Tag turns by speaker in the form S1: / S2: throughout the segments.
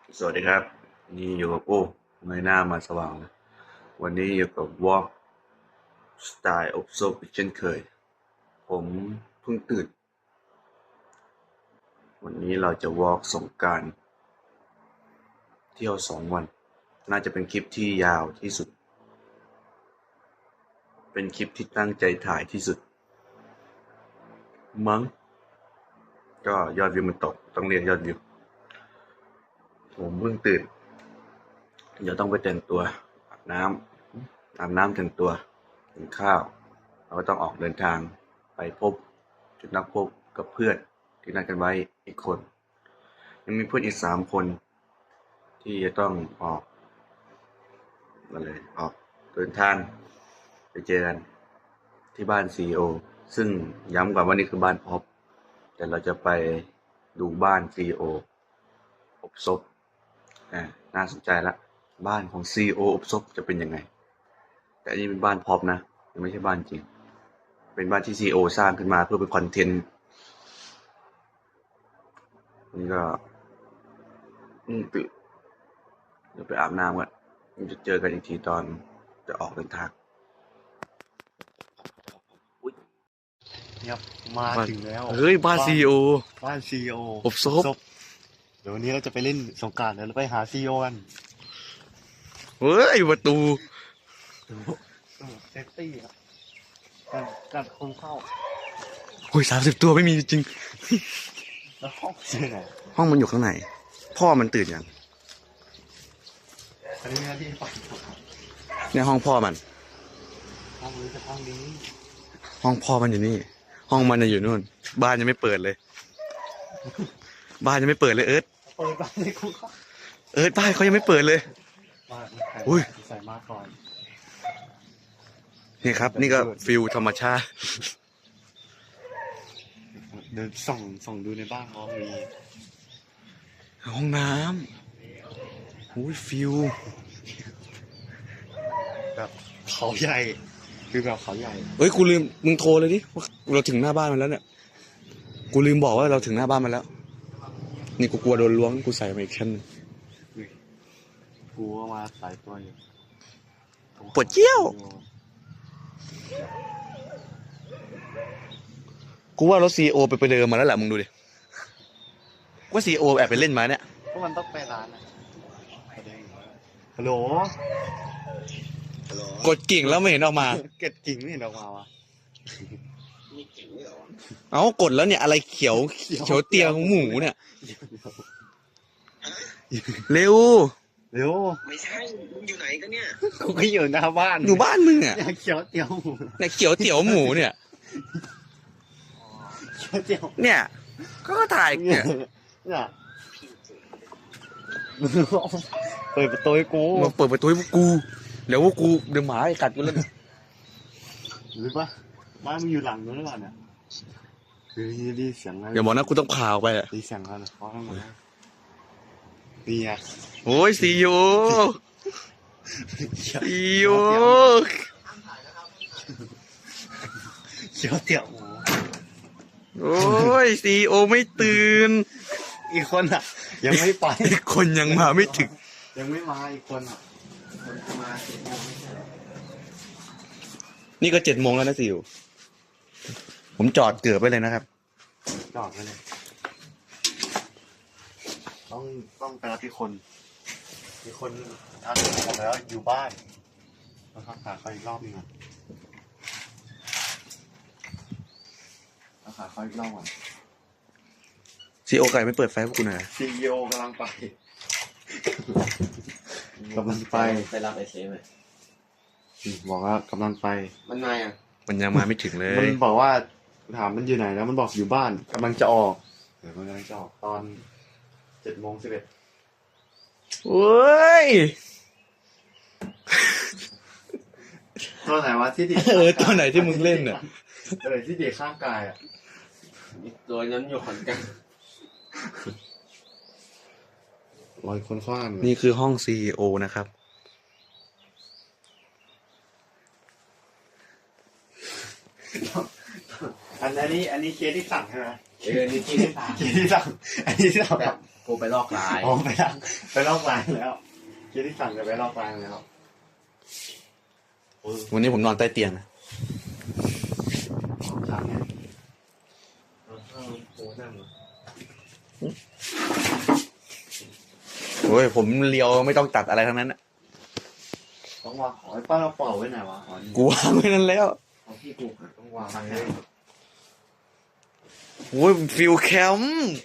S1: สวัสดีครับนี่อยู่กับโอ้เงยหน้ามาสว่างเลยวันนี้อยู่กับวอล์กสไตล์อบซบอีกเช่นเคยผมเพิ่งตื่นวันนี้เราจะวอล์กสงกรานต์เที่ยว2 วันน่าจะเป็นคลิปที่ยาวที่สุดเป็นคลิปที่ตั้งใจถ่ายที่สุดมั้งก็ยอดวิวมันตกต้องเรียกยอดวิวผมเพิ่งตื่นเดี๋ยวต้องไปแต่งตัวอาบน้ำแต่งตัวกินข้าวเราก็ต้องออกเดินทางไปพบจุดนัดพบกับเพื่อนที่นัดกันไว้อีกคนยังมีเพื่อนอีก3 คนที่จะต้องออกเดินทางไปเจอกันที่บ้านซีอีโอซึ่งย้ำก่อนว่านี่คือบ้านพบแต่เราจะไปดูบ้านซีอีโออบซบน่าสนใจละบ้านของซีอีโออบซบจะเป็นยังไงแต่อันนี้เป็นบ้านพบนะยังไม่ใช่บ้านจริงเป็นบ้านที่ซีอีโอสร้างขึ้นมาเพื่อเป็นคอนเทนต์นี่ก็ตื่นเดี๋ยวไปอาบน้ำก่อนจะเจอกันอีกทีตอนจะออกเดินทาง
S2: ครับมาถึงแล้ว
S1: เฮ้ยบ้านซีอีโอ
S2: บ้านซีโอ
S1: อบซบ
S2: เดี๋ยววันนี้เราจะไปเล่นสงกรานต์เดี๋ยวเราไปหาซีโอกัน
S1: เฮ้ยประตู
S2: เซฟตี้ครับการคนเข้า
S1: โอ้ย30 ตัวไม่มีจริง
S2: แล้วห้องที่ไหน
S1: ห้องมันอยู่ข้างในพ่อมันตื่นยัง
S2: อันนี้ที่ไป
S1: เนี่ยห้องพ่อมัน
S2: ห้องนี้จะห้องนี้
S1: ห้องพ่อมันอยู่นี่ห้องมันอยู่นู่นบ้านยังไม่เปิดเลยบ้านยังไม่เปิดเลยเอิร์ธ
S2: เปิดบ้านในคุกครับ
S1: บ้านเขายังไม่เปิดเลย
S2: มา
S1: อุ้ย
S2: ใส่มาก่อน
S1: นี่ครับนี่ก็ฟิลธรรมชาติ
S2: เดินส่องดูในบ้านเขามี
S1: ห้องน้ำอุ้ยฟิล
S2: แบบเขาใหญ่คือแบบเขาใหญ่
S1: เฮ้ยกูลืมมึงโทรเลยดิว่าเราถึงหน้าบ้านมันแล้วเนี่ยกูลืมบอกว่าเราถึงหน้าบ้านมันแล้วนี่กูกลัวโดนล้วงกูใส่มาอีกชั้นนึง
S2: กูก็มาสายตัวอยู่
S1: ปวดเจี้ยวกูว่ารถซีโอไปเดิมมาแล้วแหละมึงดูดิว่าซีโอแอบไปเล่นมาเนี่ย
S2: พวกมันต้องไปร้านนะฮัลโหล
S1: กดกิ่งแล้วไม่เห็นออกมา
S2: เก็ดกิ่งไม่เห็นออกมาวะ
S1: เอ้ากดแล้วเนี่ยอะไรเขียวเตียของหมูเนี่ยเร็ว
S2: เร็ว
S3: ไม่ใช่ มึงอยู่ไหนกันเนี่ย
S2: กูก็อยู่หน้าบ้าน
S1: อยู่บ้านมึงอ่ะ
S2: อยากเขียวเตี๋ยวหมู
S1: เนี่ยเขียวเตี๋ยวหมูเนี่ย
S2: เขียวเตี๋ยว
S1: เนี่ยก็ถ่ายเนี่ย
S2: เนี่ยเปิดประตูให้กู
S1: มาเปิดประตูให้พวกกูเดี๋ยวพวกกูเดี๋ยวหมาไอ้กัดกูแล้ว
S2: หรือปะบ้านมึงอยู่หลังนู้นหรือเปล่าเนี่ยคือดีเสียงอะไร
S1: อย่าบอกนะกูต้องพาออกไปอ่ะ
S2: ดีเสียงอะไรเพราะข้างหลังดีไง
S1: โอ้ยซีโอซีโอ
S2: เขียวเตี๋ยวหมู
S1: โอ้ยซีโอไม่ตื่น
S2: อีกคนอ่ะ ยังไม่ไป
S1: อีกคนยังมาไม่ถึง
S2: ยังไม่มาอีกคนอ่ะ
S1: นี่ก็7 โมงแล้วนะซีโอผมจอดเกือบไปเลยนะครับ
S2: จอดไปเลยต้องไปรับที่คนมีคนทักบอกแล้วอยู่บ้านเราทักหาเขาอีกรอบนึงอ่ะทักหาเขาอีกรอบก่อน
S1: ซีโอไก่ไม่เปิดไฟให้พวกกูหน่อย
S2: ซีอีโอกำลังไปกำลังไป
S3: ไปรับไอเซฟไหม
S2: บอกว่ากำลังไป
S3: มันมาอ่ะ
S1: มันยังมาไม่ถึงเล
S2: มั
S1: ย
S2: นบอกว่าถามมันอยู่ไหนแล้วมันบอกอยู่บ้านกำลังจะออกเดี๋ยวมันกำลังจะออกตอน7:11
S1: โอ้ย
S2: ตัวไหนวะที่ดี
S1: ตัวไหนที่มึงเล่นน่ะ
S2: ตัวไหนที่ดีข้างกายอ่ะ
S3: อีกตัวนั้นอยู่ขอนแก่น
S2: รอยคนคว้าง
S1: นี่คือห้องซีโอนะครับ
S2: อันนี้เคสที่สั่งใช่ไหม
S3: นี่ที่ที่สาม
S2: เคสที่สั่งอันนี้ที่สั่ง
S3: แบบกูไปลอกลาย
S2: อ๋อไปลอกลายแล้วคิดที่สั่งจะไปลอกลายแล้ว
S1: วันนี้ผมนอนใต้เตียงนะ
S2: ครับเนี่ย
S3: กูนั่ง
S1: โอ้ยผมเลียวไม่ต้องตัดอะไรทั้งนั้นนะ
S2: ต้องวางของไอ้ป้าเราเป่าไว้ไหนวะอ๋อนี่
S1: กูวางไว้นั่นแล้ว
S3: ของพี่กูต้องวาง
S2: สั่ง
S3: ให้
S2: ให้
S1: โอ้ยฟิลแคมป์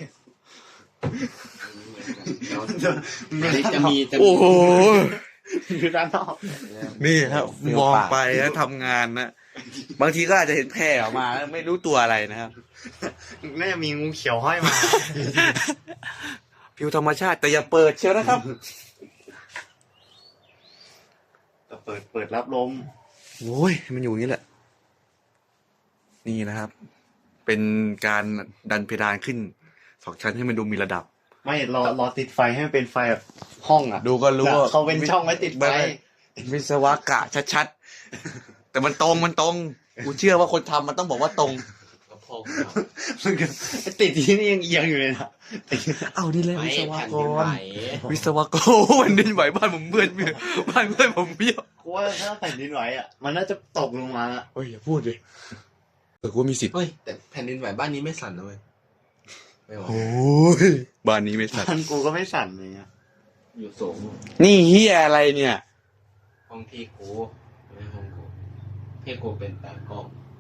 S3: จะมี
S1: โอ้โห
S2: อยู่ด้านนอก
S1: นี่ครับมองไปแล้วทำงานนะบางทีก็อาจจะเห็นแพร่ออกมาแล้วไม่รู้ตัวอะไรนะครับ
S2: น่าจะมีงูเขียวห้อยมา
S1: ฟิวธรรมชาติแต่อย่าเปิดเชียวนะครับ
S2: แต่เปิดรับลม
S1: โอ้ยมันอยู่อย่างนี้แหละ นี่นะครับ เป็นการดันเพดานขึ้น2 ชั้นให้มันดูมีระดับ
S2: ไม่รอติดไฟให้มันเป็นไฟแบบห้องอ่ะ
S1: ดูก็รู้ว่า
S2: เขาเป็นช่องไว้ติดไฟ
S1: วิศวกะชัดๆ แต่มันตรงกูเชื่อว่าคนทำมันต้องบอกว่าตรง
S3: กระเพาะ
S2: มันก็ติดที่นี่ยังเอียงอยู่เลยนะ
S1: เอานี่เลย
S3: ไม่
S1: วิศว
S3: แผ่น
S1: ก
S3: ดินไหว
S1: รวิศวกรวันดินไหวบ้านผมเบื่อบ้านเพื่อนผมเบี้ยว
S2: กูว่าถ้าแผ่นดินไหวอ่ะมันน่าจะตกลงมาละ
S1: เฮ้ยอย่าพูดเลยกูมีสิทธิ์
S3: เฮ้ยแต่แผ่นดินไหวบ้านนี้ไม่สั่นนะเว้ยไม่ไหว
S1: โอ้ยบ้านนี้ไม่สั่น
S2: มันกูก็ไม่สั่นเลยอ่ะ
S3: อยู่สูง
S1: นี่เฮียอะไรเนี่ย
S3: ห้องพี่กูไม่ห้องกูพี่กูเป็นตากล้อง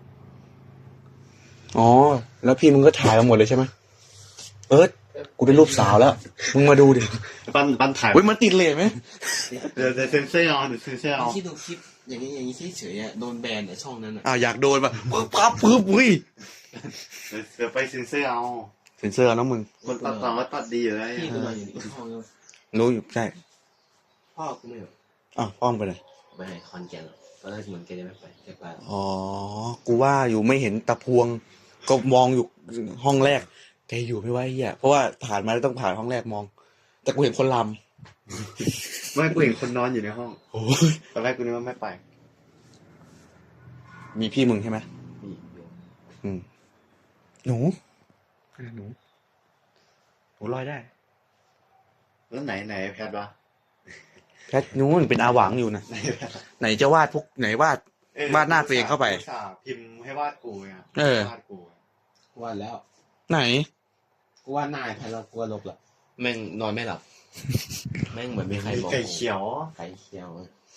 S1: อ๋อแล้วพี่มึงก็ถ่ายมาหมดเลยใช่ไหมเอิร์ธกูได้รูปสาวแล้ว มึงมาดูดิ
S2: ปันถ่าย
S1: เฮ้ยมันติดเลทไหม
S2: เดี๋ยวเซนเซอร์เอาเดี๋ยวเซนเซอร์เอา
S3: คิดดูคลิปอย่างนี้เฉยๆอ่ะโดนแบนในช่องนั้นอ่ะ
S1: อ้าวอยากโดนป่ะปึ๊บอุ้ย
S2: เดี๋ยวไปเซนเซอร์เอา
S1: เซ็นเซอร์นะมึง
S2: คนตัดต่อก็ตัดดีอยู่แล้ว
S3: พี่กูนอนอยู่ในห้องแล้ว
S1: รู้อยู่ใช่
S3: พ่อกูไม่แบบ
S1: อ้าวพ่อมงไปไหน
S3: ไปให้คอนแกนตอนแรกเหมือนแกจะไม่ไปแกไป
S1: อ๋อ กูว่าอยู่ไม่เห็นตะพวง ก็มองอยู่ห้องแรก แกอยู่ไม่ไหวเฮียเพราะว่าผ่านมาแล้วต้องผ่านห้องแรกมอง แต่กูเห็นคนล
S2: ไม่กูเห็นคนนอนอยู่ในห้อง
S1: ำโอ้ย
S2: ตอนแรกกูนึกว่าไม่ไป
S1: มีพี่มึงใช่ไหม
S3: นี่อยู่
S1: อืม หนูหนูลอยได้
S2: แล้วไหนแพทวะ
S1: แค่นู้นเป็นอาหวังอยู่นะ
S2: ไหนแพท
S1: ไหนจะวาดพวกไหนวาด วาดหน้าตัวเองเข้าไป
S2: อุตส่าห์พิมพ์ให้วาดกูไง
S1: เออ
S2: วาดกู
S3: กูว่าแล้ว
S1: ไหน
S3: กูว่านายแพ้เรากูว่าลบละแม่งนอนไม่หลับ แม่งเหมือนมีใคร
S2: มี
S3: บอก
S2: ไก่เขียว
S3: ไก่เขียวอะ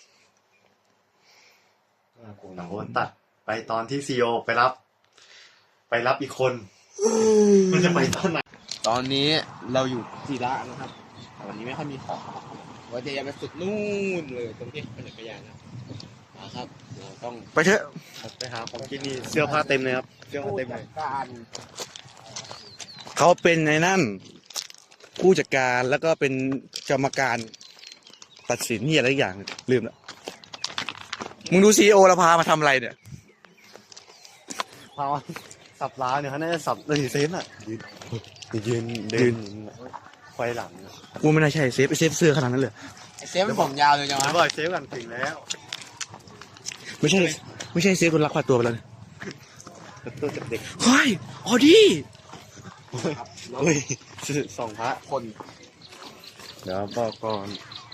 S2: กูหนังวนตัดไปตอนที่ซีโอไปรับอีกคน มันจะไปตอนไหน
S3: ตอนนี้เราอยู่ศิระนะครับแต่วันนี้ไม่ค่อยมีของว่าจะยังไปสุดนู่นเลยตรงที่เป็นจักรยานนะครับเราต้อง
S1: ไปเถอะ
S2: ไปหาของกินนี่เสื้อผ้าเต็มเลยครับเสื้อผ้าเต็มเลย
S3: การ
S1: เขาเป็นในนั่น ผู้จัดการแล้วก็เป็นกรรมการตัดสินนี่อะไรอย่างลืมแล้วมึงดูซีโอเราพามาทำอะไรเนี่ย
S2: พาสับล้าเนี่ยเขาน่าจะสับเลยเซฟอ่ะยืนเดินควายหลัง
S1: กูไม่น่าใช่เซฟเซฟเสื้อขนาดนั้นเลย
S3: ไอ้เซฟมันผมยาวเลยจัง
S2: แล้ว
S3: วะ
S2: บอกเซฟกันถึงแล้ว
S1: ไม่ใช่เซฟคนรักพาตัวไปแล้วเนี่ย
S2: ตัวเด็ก
S1: เฮ้ยออดี้
S2: เฮ้ยสองพระ
S3: คน
S2: เดี๋ยวบอกก่อน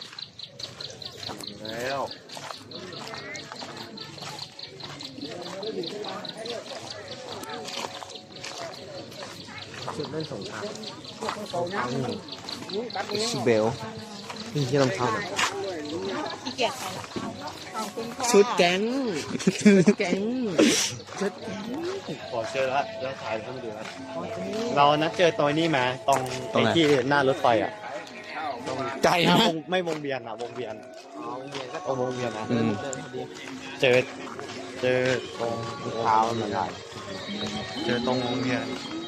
S2: แล้ว
S3: ชุดเล่นสงคราม
S1: สเบล
S3: นี่ที่รองเท้า
S4: ขี้เกียจไปละขอบคุณค่ะ
S3: ชุดแก๊งชุดแก๊งชุดแก๊ง
S2: ขอเจอแล้วถ่ายให้มาดูนะเรานัดเจอตรงนี้มาตรงไอ้ที่หน้ารถไฟอ่ะ
S1: ใจฮะ
S2: ไม่วงเวียนอ่ะวงเวียน
S3: อ๋อเวียนก็
S2: ตรงวงเวียนนะ
S1: อืม
S3: เดินพอดี
S2: เจอตรง
S3: เท้าเหมือนกัน
S2: เจอตรงวงเวียน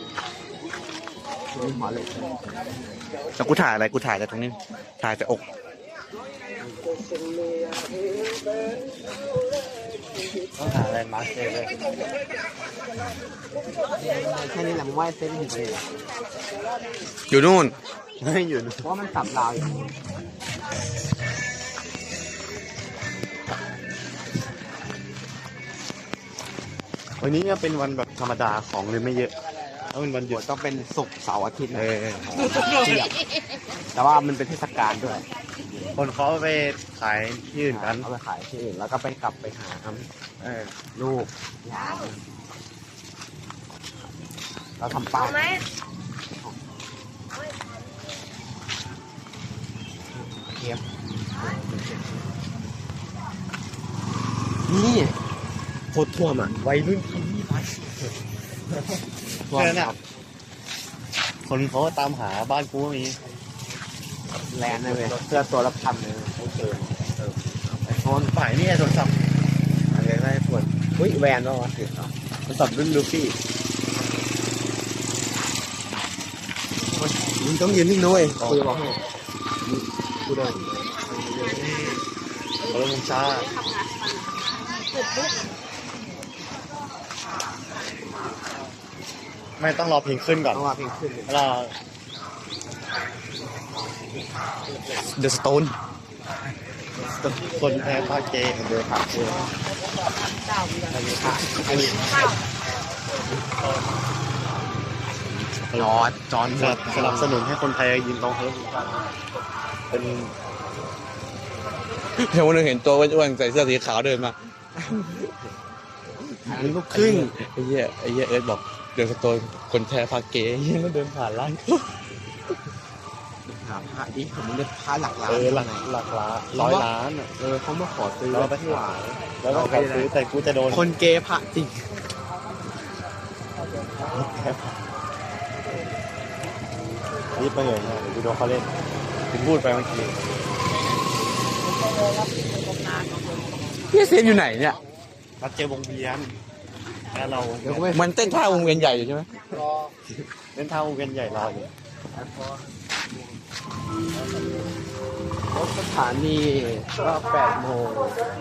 S3: หัวเหล็ก
S1: แล้วกูถ่ายอะไรกูถ่ายแต่ตรงนี้ ถ่ายแต่อก
S2: ต้องหาอะไรมาร์คเจอเลย
S3: แค่นี้แหละมึงว่าเซฟถึงไปเลย
S1: อยู่นู่น
S2: ไม่อยู่
S3: เพราะว่ามันสับราวอยู่
S2: วันนี้เนี่ยเป็นวันแบบธรรมดาของเลยไม่เยอะถ้าเป็นวันหยุด
S3: ต้องเป็นศุกร์เสาร์อาทิตย์นะ
S2: เออ
S3: เทียบแต่ว่ามันเป็นเทศกาลด้วย
S2: คนเขาไปขายที่อื่นกัน
S3: เอาไปขายที่อื่นแล้วก็ไปกลับไปหาลูกยามเราทำป้ายเทียบนี่โคตรท่วมอ่ะวัยรุ่นที่นี่ไปท่วม
S2: เนี่ย
S3: ค
S2: เนี่ย
S3: รับ
S2: คนเขาตามหาบ้านกูก็มี
S3: แลนด์เลยเสื้อตัวละพันเลยไม่เกินไอโฟน
S2: ฝ่ายนี่ไอ้โทรศัพท์
S3: อะไรได้ไอโฟนอุ้ยแวนแล้ววะถึงเหรอ
S2: โทรศัพท์รุ่นลูฟี่
S3: มึงต้องยืนนิ่งด้วยคุยบอกให้กูเดิน
S2: เขาลงช้าไม่ต้องรอเพลงขึ้นก่อน
S3: ต้องมาเพลงขึ้นเลย
S2: แล้วเดอะสโตนคนแพ้ภาคเกย์
S3: เดินผ่านเลยอันนี้ค่ะอันนี้จอน
S2: สนับสนุนให้คนไทยยืนตรงเขาเป็น
S1: เดี๋ยววันนึงเห็นตัวอ้วนๆใส่เสื้อสีขาวเดินมา
S3: เป็นลูกครึ่ง
S1: ไอ้เหี้ยเอิร์ธบอกเดินสโตนคนแท้พาเก๋เหี้ยแล้วเดินผ่านร้าน
S3: ถามพระดิผมมันจะพระหลักล้าน
S2: หลักล้าน100 ล้านอ่ะ
S3: เขามาขอซื้อ
S2: เราไป
S3: ที่หวาย
S2: แล้วก็ขอซื้อแต่กูจะโดน
S3: คนเกย์พระจริง
S2: รีบไปเลยนะเดี๋ยวกูโดนเขาเล่นถึงพูดไปเมื่อกี้
S1: พี่เซนอยู่ไหนเนี่ย
S2: นัดเจอวงเวียนแล้วเรา
S3: เดี๋ยวกูไป
S1: มันเต้นท่าวงเวียนใหญ่อยู่ใช่ไหม
S2: เล่นเท่าวงเวียนใหญ่รออยู่
S3: รถสถานีก็8 โมง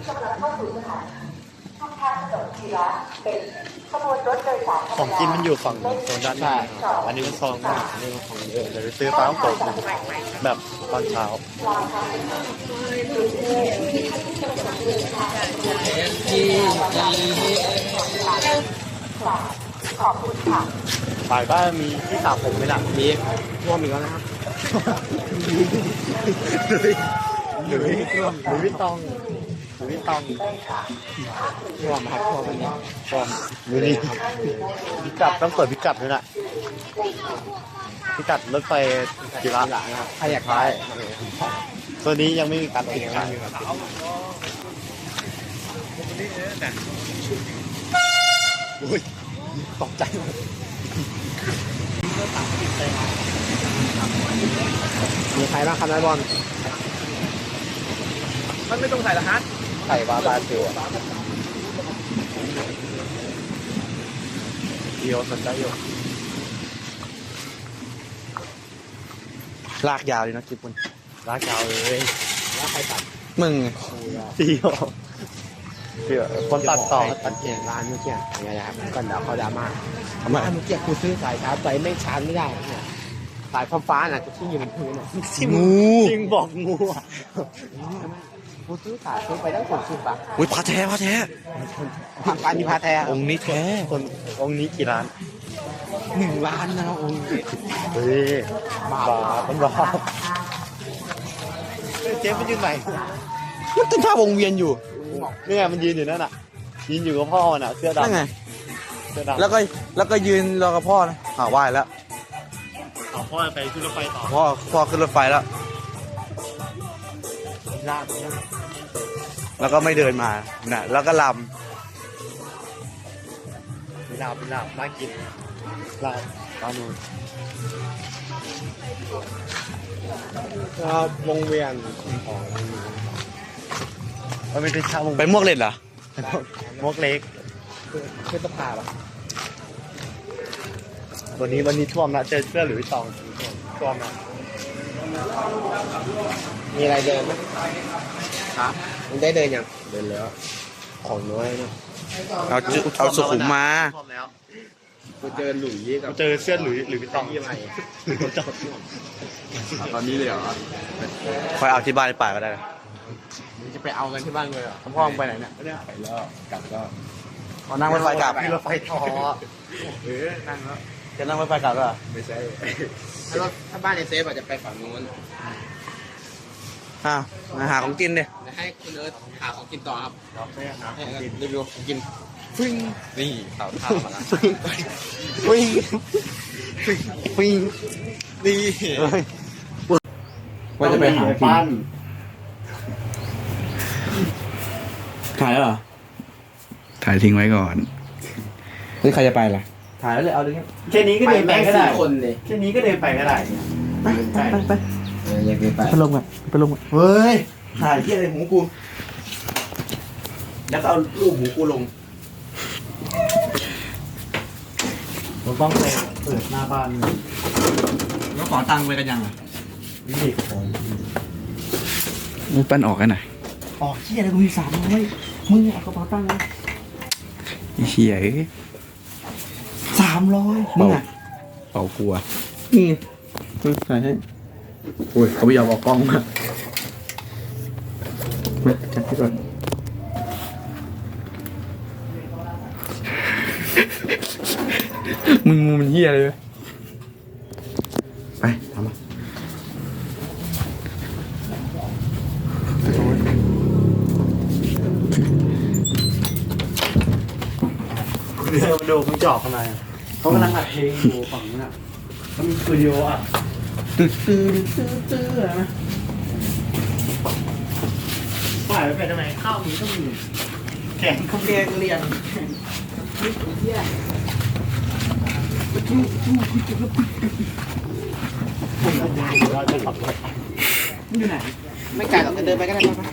S2: ของกินมันอยู่ฝั่งโซนด้านหน้าอันนี้เป็นซองของเดี๋ยวไปซื้อฟ้าโป่งแบบตอนเช้าฝ่ายบ้านมีที่สระผมไหมล่ะ
S3: มีท่วมอีกแล้วนะครับ
S2: หรือวิตตอง
S3: ท่วมครับท่วมอันนี้
S2: ดูนี่พิกัดต้องเปิดพิกัดด้วยนะพิกัดรถไฟกีฬา
S3: หลังนะครับใครอยากได้
S2: ตัวนี้ยังไม่มีการติดขาย
S3: อุ้ยตกใจหมดมีใครบ้างครับนายบอล
S1: มันไม่ต้องใส่ละฮะ
S3: ไข่บาบาซิล
S2: เดียวสนใจอยู่
S1: ลากยาวเลยนะคลิปคุณ
S2: ลากยาวเลย
S3: แล้วใครตัด
S1: มึง
S2: เดียวคนตัดต่อ
S3: ตัดเองร้านเมื่อกี้อย่าก่อนเดี๋ยวเขาดราม่า
S1: ทำไม
S3: ร้านเมื่อกี้กูซื้อสายชาร์จไปไม่ชาร์จไม่ได้เนี่ยสายฟ้าๆน่ะที่อยู่บนพื้นน่ะ
S1: งู
S2: จริงบอกงูอ่ะ
S3: กูซื้อไปตั้ง60 บาท
S1: อุ้ยพาแท้
S3: ผักปานิพาแท้
S1: องค์นี้แท้
S2: คนองค์นี้กี่ล้าน
S3: 1 ล้านนะครับองค์
S2: เฮ้ยบาทเป็นบาทเจ๊มันยืนไหน
S1: มันเต้นท่าวงเวียนอยู่
S2: นี่ไงมันยืนอยู่นั่นน่ะยืนอยู่กับพ่อมันอ่ะเสื้อ
S1: นั่น
S2: ดำ
S1: ไง
S2: เสื้อดำ
S1: แล้วก็ยืนรอกับพ่อนะไหว้แล้ว
S2: เอาพ่อไปขึ้นรถไฟต่อ
S1: พ่อขึ้นรถไฟแล้ว
S2: ลาก
S1: แล้วก็ไม่เดินมาน่ะแล้วก็ล
S2: เป็นลาบน่ากินลาบปลาหนู
S3: ก็วงเวียนของ
S2: มันไม่ใช่ชาวมง
S1: ำไปมวกเล่นเหรอ
S2: มกเล็ก
S3: คือตะพาปะ
S2: วันนี้ท่วมนะเจอเสื้อหรือตองท่วมนะ
S3: มีอะไรเดินไหมครับมึงได้เดินยังเดินแล้วของน้อยนะ
S1: เอาสุขุมมา
S2: ท่วมแล้ว
S3: กูเจอหลุยส์กับ
S2: เจอเสื้อหรือตอง
S3: ยี่อะไร
S2: หรือตอง
S3: ตอนนี้เลยเหรอ
S1: คอยเอาที่บ้านในป่าก็ได้นะ
S3: มึงจะไปเอากันที่บ้านเลยเหรอ
S1: พ่อมึงไปไหนเนี่ย
S3: ไปแล้วกลับก็
S1: เอานั่งรถไฟกลับ
S2: มีรถไฟทอ
S3: นั่งแล้ว
S1: จะนั่งรถไฟกลับเหรอ
S3: ไม่ใช่ถ้าบ้านในเซฟอาจจะไปฝั่งนู้น
S1: อ้าวมาหาของกินดิ
S3: จะให้คุณเอิร์ธหาของกินต่อครับ
S2: เราไม่หา
S3: ให้รีวิวของกินฟิ้งนี่ข่าวท่ามาแล้ว
S1: วิ่งวิ่ง
S3: นี่ว่าจะไปหากิน
S2: ปั้น
S1: ถ่ายแล้วเหรอ
S5: ถ่ายทิ้งไว้ก่อน
S3: นี่ใครจะไปล่ะ
S1: ถ่ายแล้วเลยเอาดิครับ
S2: แค่นี้ก็เดินไปก็ได้
S3: คนเลย
S2: แค่นี้ก็เดินไปก็ได้
S1: ไป
S3: อยากไป
S1: ไปลงอ่ะไปลงอ่ะ
S2: เฮ้ย
S1: ถ่ายที่อะไรหูกูแล้วก็เอารูปหูกูลง
S2: เราต้องไปเปิดหน้าบ้าน
S1: แล้วขอตังค์ไปกันยังอ่ะ
S2: วิธีของ
S5: มุกปั้นออกกันหน่อย
S1: อ๋อเชี่ยอะไรกูมี300มึงเอากระเป๋าตังค์นะ
S5: ไอ้เหี้ยเอ้ย
S1: 300มึงอ่ะ
S5: เป่ากลัว
S1: นี่ถ่ายให้
S5: โอ้ยเขาไม่ยอมออกกล้องมา
S1: มาจัดที่ก่อน
S5: มึงมันเหี้ยเลย
S1: ไปทำมา
S2: เดี๋ยวมาดูมึงจอกข้างในอะเขากำลังอัดเพลงอยู่ฝั่งนู้นอ่ะเขามีสตูดิโออ่ะ
S1: ตื้ออะไรนะ
S2: ปล่อยไปเป็นทำไมข้าวมีก็มีแข่งก็มี
S1: เรียน
S2: เราจะขับรถ
S1: มันอยู่ไหน
S3: ไม่ไกลหรอกจะเดินไปก็ได้ป่ะ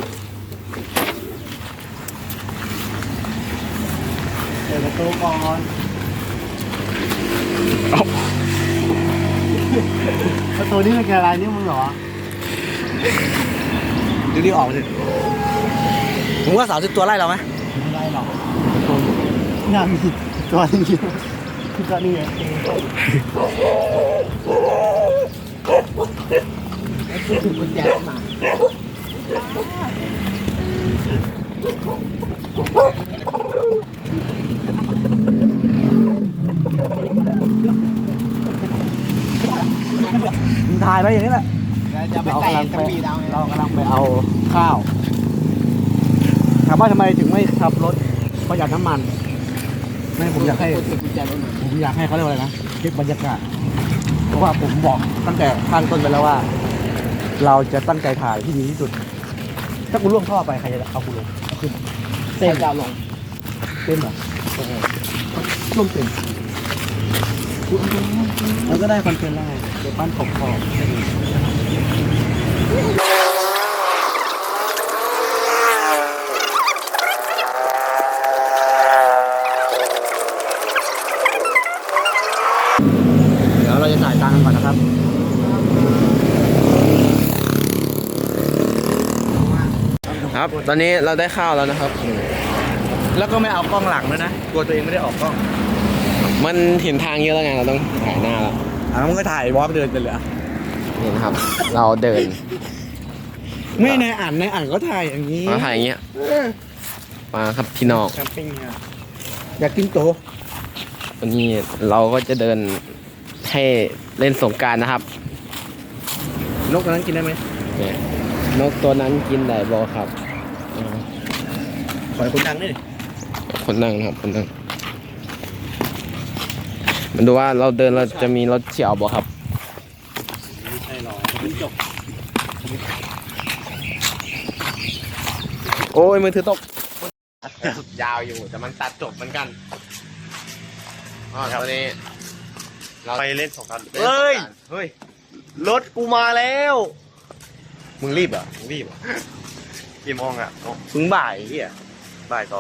S2: เปิดประตูก่อนประตูนี่มันคืออะไรนี่มึงเหรอ
S1: ดูดิออกเลยมึงว่า30ตัวไล่เราไหม
S2: ไม่ได้หรอกงานมีตัวนึงอยู่คือตัวนี้ไง
S3: กุญแจมา
S1: มึงถ่ายไปอย่างนี้แหละ
S3: จะไปไต่กระบี่ดาว
S1: เรากำลังไปเอาข้าวถามว่าทำไมถึงไม่ขับรถประหยัดน้ำมันไม่ผมอยากให้
S3: กุญแจรถมา
S1: ผมอยากให้เขาเรียกว่าอะไรนะคลิปบรรยากาศเพราะว่าผมบอกตั้งแต่ข้างต้นไปแล้วว่า เราจะตั้งใจถ่ายที่ดีที่สุด ถ้ากูล่วงท่อไปใครจะเอากูลงเอาขึ้น
S3: เส้นดาวลง
S1: เต็มเหรอลงเต็มมันก็ได้คอนเทนต์แล้วไงเดี๋ยวปั้นขอบเดี๋ยวเราจะจ่ายตังค์กันก่อนนะครับ
S3: ครับ ตอนนี้เราได้ข้าวแล้วนะครับ
S1: แล้วก็ไม่เอากล้องหลังด้วยนะกลัวตัวเองไม่ได้ออกกล้อง
S3: มันเห็นทางเยอะแล้วไงเราต้องถ่ายหน้าแล้ว
S1: มันก็ถ่ายวอล์กเดินไปเลยอะ
S3: นี่นะครับ เราเดิน
S1: ไม่ในอ่านก็ถ่ายอย่างนี้
S3: มาถ่ายอย่างเงี้ยมาครับพี่น้อง
S1: แคมปิ้งเนี่ยอยากกินโต
S3: วันนี้เราก็จะเดินให้เล่นสงกรารนะครับ
S1: นกตัวนั้นกินได้ไหม
S3: เนี่ยนกตัวนั้นกินได้บอครับ
S1: ขอให้คนดังนี่ดิ
S3: คนนั่งนะครับคนนั่งมันดูว่าเราเดินเราจะมีรถเฉียวบอครับ
S2: ไม่ใช่หรอกมันจบ
S3: โอ้ยมือถือตก ยาวอยู่แต่มันตัดจบเหมือนกันอ๋อตอนนี้เรา
S2: ไปเล่นสงกรานต์
S3: เฮ้ย
S1: เฮ้ย
S2: รถกูมาแล้ว
S1: มึงรีบเหรอมึงรีบเหรอ
S2: กี่โมงอ่ะ
S1: มึงบ่ายเฮียบ่าย2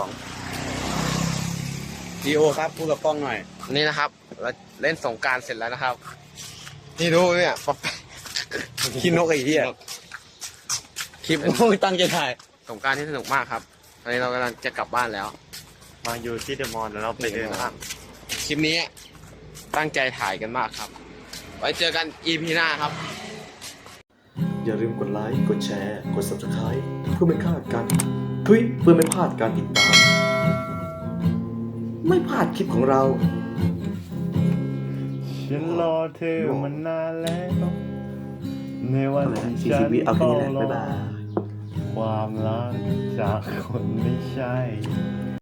S1: จีโอครับพูดกับกล้องหน่อย
S3: นี่นะครับ เราเล่นสงกรารเสร็จแล้วนะครับ นี่ดูเนี่ยป๊อป
S1: คิดนกไอ้เฮียคลิปมึงตั้งใจถ่าย
S3: สงกรารที่สนุกมากครับตอนนี้เรากำลังจะกลับบ้านแล้ว
S2: มาอยู่ที่เดอะมอลล์แล้วเราไปเดินห้าง
S3: คลิปนี้ตั้งใจถ่ายกันมากครับ ไว้เจอกัน EP หน้าครับ
S6: อย่าลืมกดไลค์ กดแชร์ กด Subscribe เพื่อไม่พลาดการเพื่อไม่พลาดการติดตาม ไม่พลาดคลิปของเรา
S2: ฉันรอเธอมานานแล้วในวันที่
S1: สี่
S2: ฉั
S1: สิ
S2: น
S1: บวิเอาแค่
S2: เฝ้า
S1: นี้แหละ
S2: ร
S1: บ๊ายบาย
S2: ความรักจากคนไม่ใช่